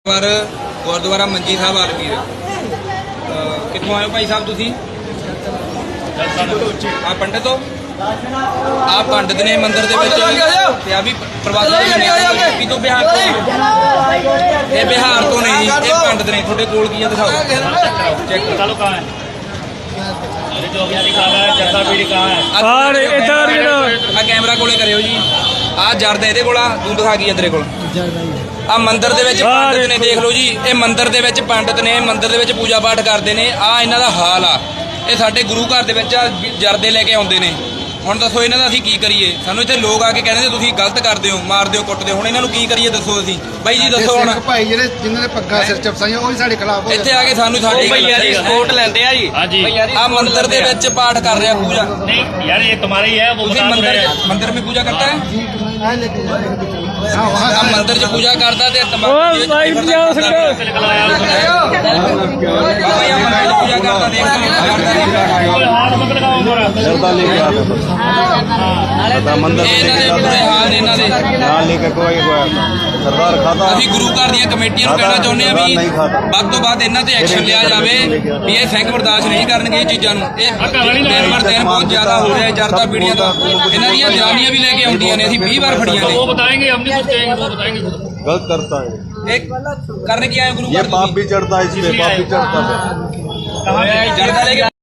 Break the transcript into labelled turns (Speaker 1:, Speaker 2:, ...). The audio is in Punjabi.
Speaker 1: ਪਰ ਗੁਰਦੁਆਰਾ ਮੰਜੀ ਸਾਹਿਬ ਆਲਮੀਰ ਕਿੱਥੋਂ ਆਏ ਹੋ ਭਾਈ ਸਾਹਿਬ ਤੁਸੀਂ? ਆ ਪੰਡਤ ਹੋ? ਆ ਪੰਡਤ ਨੇ ਮੰਦਿਰ ਦੇ ਵਿੱਚ ਤੇ ਆ ਵੀ ਪ੍ਰਵਾਸੀ ਤੋਂ ਬਿਹਾਰ ਤੋਂ ਇਹ ਬਿਹਾਰ ਤੋਂ ਨਹੀਂ ਜੀ, ਇਹ ਪੰਡਤ ਨੇ। ਤੁਹਾਡੇ ਕੋਲ ਕੀ ਆ ਦਿਖਾਓ ਚੈੱਕ
Speaker 2: चलो कहाँ है? अरे जो अभी लिखा हुआ है जैसा भी लिखा है।
Speaker 1: ਆ ਕੈਮਰਾ ਕੋਲੇ ਕਰਿਓ ਜੀ। ਆ ਜਰਦ ਇਹਦੇ ਕੋਲ ਆ, ਤੂੰ ਦਿਖਾ ਕੀ ਆ ਤੇਰੇ ਕੋਲ? ਆ ਮੰਦਿਰ ਦੇ ਵਿੱਚ ਪੰਡਤ ਨੇ, ਦੇਖ ਲਓ ਜੀ। ਇਹ ਮੰਦਿਰ ਦੇ ਵਿੱਚ ਪੰਡਤ ਨੇ, ਮੰਦਿਰ ਦੇ ਵਿੱਚ ਪੂਜਾ ਪਾਠ ਕਰਦੇ ਨੇ। ਆ ਇਹਨਾਂ ਦਾ ਹਾਲ ਆ। ਇਹ ਸਾਡੇ ਗੁਰੂ ਘਰ ਦੇ ਵਿੱਚ ਜਰਦੇ ਲੈ ਕੇ ਆਉਂਦੇ ਨੇ। ਹੁਣ ਦੱਸੋ ਇਹਨਾਂ ਦਾ ਅਸੀਂ ਕੀ ਕਰੀਏ? ਸਾਨੂੰ ਇੱਥੇ ਲੋਕ ਆ ਕੇ ਕਹਿੰਦੇ ਤੁਸੀਂ ਗਲਤ ਕਰਦੇ ਹੋ, ਮਾਰਦੇ ਹੋ, ਕੁੱਟਦੇ ਹੋ। ਹੁਣ ਇਹਨਾਂ ਨੂੰ ਕੀ ਕਰੀਏ ਦੱਸੋ ਅਸੀਂ? ਬਾਈ ਜੀ ਦੱਸੋ ਹੁਣ।
Speaker 3: ਭਾਈ ਜਿਹੜੇ ਜਿਨ੍ਹਾਂ ਨੇ ਪੱਗਾਂ ਸਿਰ ਚਪਸਾਈਆਂ ਉਹ ਵੀ ਸਾਡੇ ਖਿਲਾਫ ਹੋ
Speaker 1: ਇੱਥੇ ਆ ਕੇ ਸਾਨੂੰ ਸਾਡੀ
Speaker 2: भैया जी सपोर्ट लेते हैं जी। हाँ जी
Speaker 1: ਆ ਮੰਦਿਰ ਦੇ ਵਿੱਚ ਪਾਠ ਕਰ ਰਿਹਾ ਪੂਜਾ।
Speaker 2: नहीं यार ये तुम्हारा ही है वो
Speaker 1: ਤੁਸੀਂ
Speaker 2: बता तो रहे हैं।
Speaker 1: ਮੰਦਿਰ ਵਿੱਚ ਪੂਜਾ ਕਰਤਾ ਹੈ?
Speaker 3: हाँ वहाँ
Speaker 1: ਆ ਮੰਦਿਰ 'ਚ ਪੂਜਾ ਕਰਦਾ ਤੇ ਤਮਾਕੂ
Speaker 2: से निकल आया
Speaker 1: ਬਾਬਾ ਜੀ ਮੰਦਿਰ 'ਚ ਪੂਜਾ ਕਰਦਾ
Speaker 2: कोई हाथ मत लगाओ मोरा।
Speaker 4: जर्दा लेके आता था मंदिर
Speaker 1: ਇਹਨਾਂ ਦੇ ਬੁਰੇ ਹਾਲ ਨੇ ਇਹਨਾਂ ਦੇ।
Speaker 4: यहाँ लेके कोई सरदार खाता
Speaker 1: ਅਸੀਂ ਗੁਰੂ ਘਰ ਦੀਆਂ ਕਮੇਟੀਆਂ ਨੂੰ ਕਹਿਣਾ ਚਾਹੁੰਦੇ ਆ ਵੀ ਵੱਧ ਤੋਂ ਵੱਧ ਇਹਨਾਂ ਤੇ ਐਕਸ਼ਨ ਲਿਆ ਜਾਵੇ ਵੀ ਇਹ ਸਿੰਘ ਬਰਦਾਸ਼ਤ ਨਹੀਂ ਕਰਨਗੇ ਇਹ ਚੀਜ਼ਾਂ ਨੂੰ। ਇਹ ਦਿਨ ਬਰ ਦਿਨ ਬਹੁਤ ਜ਼ਿਆਦਾ ਹੋ ਰਿਹਾ ਜਰਦਾ ਪੀੜੀਆਂ ਦਾ। ਇਹਨਾਂ ਦੀਆਂ ਜਨਾਨੀਆਂ ਵੀ ਲੈ ਕੇ ਆਉਂਦੀਆਂ ਨੇ, ਅਸੀਂ 20 ਵਾਰ ਫੜੀਆਂ
Speaker 2: वो
Speaker 1: ਨੇ।
Speaker 2: बताएंगे हम नहीं कुछ कहेंगे वो बताएंगे खुद।
Speaker 4: गलत करता है
Speaker 1: ਇਹ ਕਰਨ ਕੀ ਆਏ ਗੁਰੂ
Speaker 4: ये
Speaker 1: ਘਰ
Speaker 4: पाप भी चढ़ता है इसमें पाप भी चढ़ता है
Speaker 2: कहाँ पे?
Speaker 1: ਜਰਦਾ ਲੈ ਕੇ